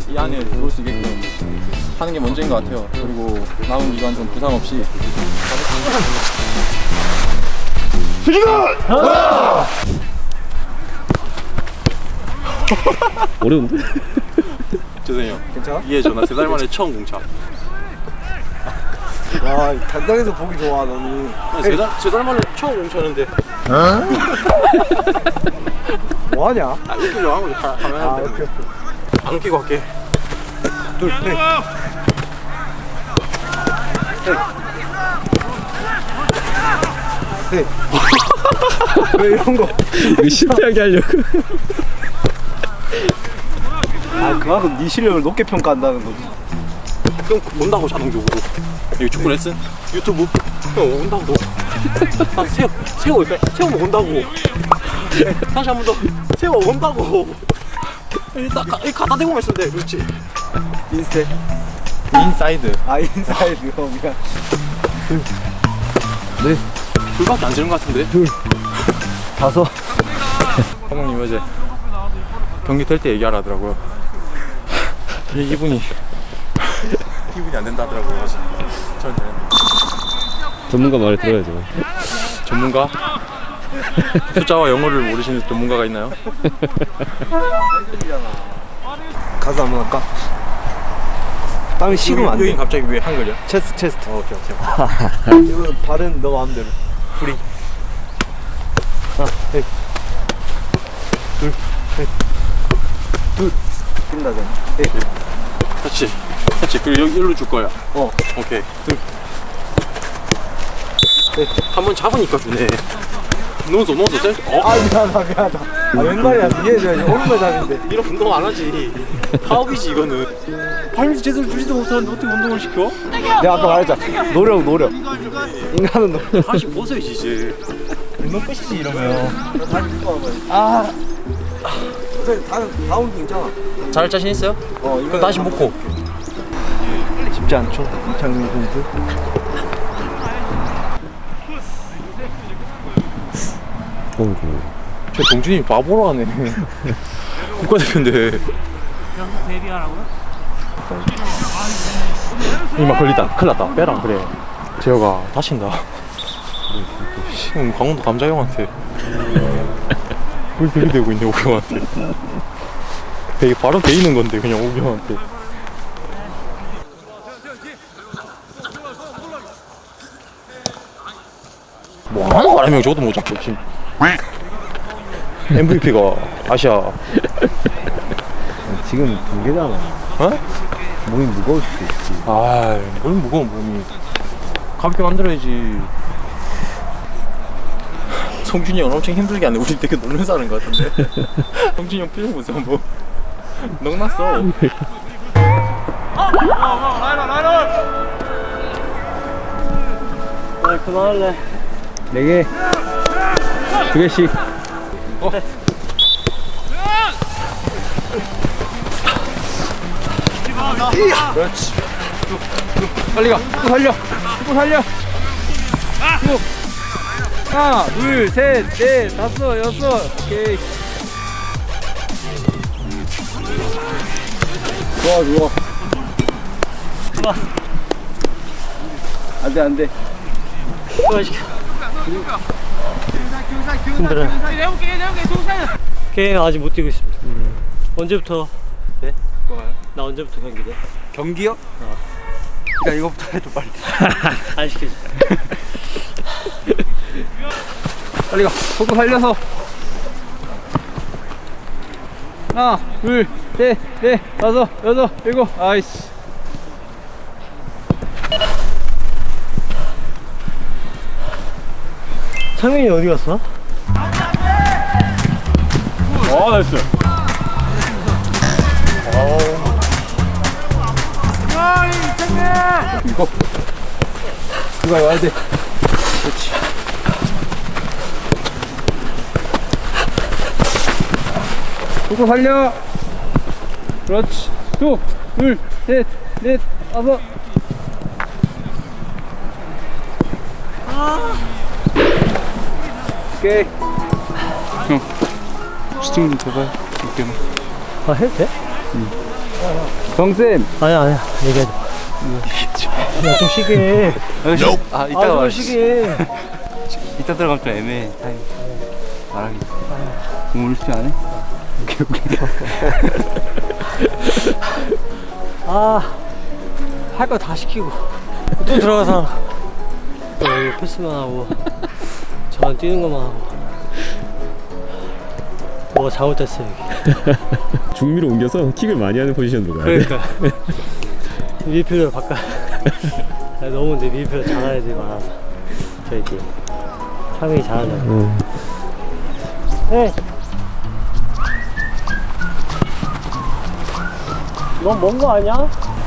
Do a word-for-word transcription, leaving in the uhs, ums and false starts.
이 안에 들어올 수 있게끔 하는 게 먼저인 것 같아요. 그리고 남은 기간 좀 부상 없이 어려운데? 죄송해요. 괜찮아? 이해 전화 세 달 만에 처음 공차. 와, 단장에서 보기 좋아 너는. 세달 만에 처음 공차는데. 뭐하냐? 아, 웃기려고 한 거지. 카메라 아, 때문에. 오케이 오케이. 안 웃기고 할게. 둘, 셋. 셋. 왜 이런 거? 이거 실패하게 하려고. 아, 그만큼 네 실력을 높게 평가한다는 거지. 그럼 온다고 자동적으로. 여기 축구 레슨? 유튜브? 형 온다고. 아, 세워, 세워, 세워 온다고. 다시 한 번 더. 세워 온다고. 여기 딱 가, 여기 갖다 대고만 있으면 돼. 그렇지. 인스테. 인사이드. 아, 인사이드. 어, 미안. 네. 둘밖에 안 지는 것 같은데? 둘. 다섯. 사모님 어제 경기 될 때 얘기하라 하더라고요. 이, 이분이 이분이 안 된다 하더라고요. 저는 되는데. 전문가 말을 들어야죠. 전문가? 숫자와 영어를 모르시는 전문가가 있나요? 가서 한번 할까? 땀이 식으면 안 여기 돼. 갑자기 왜 한글이야? 체스트, 체스트. 어, 오케이, 오케이. 이거 발은 너 마음대로. 프리. 하나, 셋. 둘, 셋. 둘. 끝나잖아. 셋. 그렇지. 그렇지. 그리고 여기 일로 줄 거야. 어. 오케이. 둘. 셋. 한 번 잡으니까 주네. 넣어서 넣어서 셀. 어? 아, 미안하다, 미안하다. 아, 왼발이야. 이해해줘야지. 오른발 잡인데. 이런 운동 안 하지. 파업이지 이거는. 발밑 제대로 주지도 못하는데 어떻게 운동을 시켜? 내가 아까 말했잖아. 노력, 노력. 인간은 노력. 다시 벗어야지 이제. 운동 끝이지, 이러면. 다시 입고 와봐요. 아. 어차피 다음, 다음 괜찮아. 잘 자신 있어요? 어, 그럼 다시 묶고. 쉽지 않죠, 이창민 선수. 어이구. 저 동준이 바보로 하네. 국가대표인데. 데뷔하라고요? 이마 걸리다. 큰일 났다. 빼라. 그래. 재혁아 다친다. 지금 강원도 감자형한테 물 들이대고 있네. 오경한테. 되게 바로 돼 있는 건데 그냥 오경한테. 뭐 하는 바람에 저것도 못 잡고 지금. 엠브이피가 아시아. 지금 동계잖아. 어? 몸이 무거울 수도 있지. 아이, 뭘 무거워 몸이. 가볍게 만들어야지. 성준이 형은 엄청 힘들게 하네. 우리 되게 놀면서 하는 것 같은데. 성준이 형 표정 보세요. 뭐 넉났어. 나 그만할래. 네 개. 두 개씩. 어. 그렇지. 쭉, 쭉. 빨리 가. 또 살려. 또 살려. 쭉. 하나, 둘, 셋, 넷, 다섯, 여섯. 오케이. 좋아, 좋아. 좋아. 안 돼, 안 돼. 힘들어요. 게임 아직 못 뛰고 있습니다. 음. 언제부터? 네? 뭐가요? 나 언제부터 경기 돼? 경기요? 어. 일단 이거부터 해줘, 빨리. 안 시켜줘. 빨리 가. 속도 살려서. 하나, 둘, 셋, 넷, 다섯, 여섯, 일곱. 아이씨. 창민이 어디 갔어? 어, 나이스. 이거. 그거 와야 돼. 그렇지. 속도 살려. 그렇지. 두, 둘, 셋, 넷, 다섯. 오케이. 슈팅 좀 더 봐요. 어깨만. 아 해도 돼? 정쌤. 아니야 아니야 얘기하지 마. 야좀 쉬게 해. 아 아 좀 쉬게 해. 이따 들어가면 좀 애매해. 타임. 말하기. 오늘 숙제 안 해? 오케이 오케이. 아, 할 거 다 시키고 또 들어가서 또 여기 패스만 하고 저만 뛰는 것만 하고 뭐가 잘못됐어 여기. 중미로 옮겨서 킥을 많이 하는 포지션으로 가야 돼. 그러니까 미드필더를 바꿔. 너무 내 미드필더 잘하는 애들이 많아서 저희 팀 상민이 잘하잖아. 어. 네. 넌 먼 거 아니야?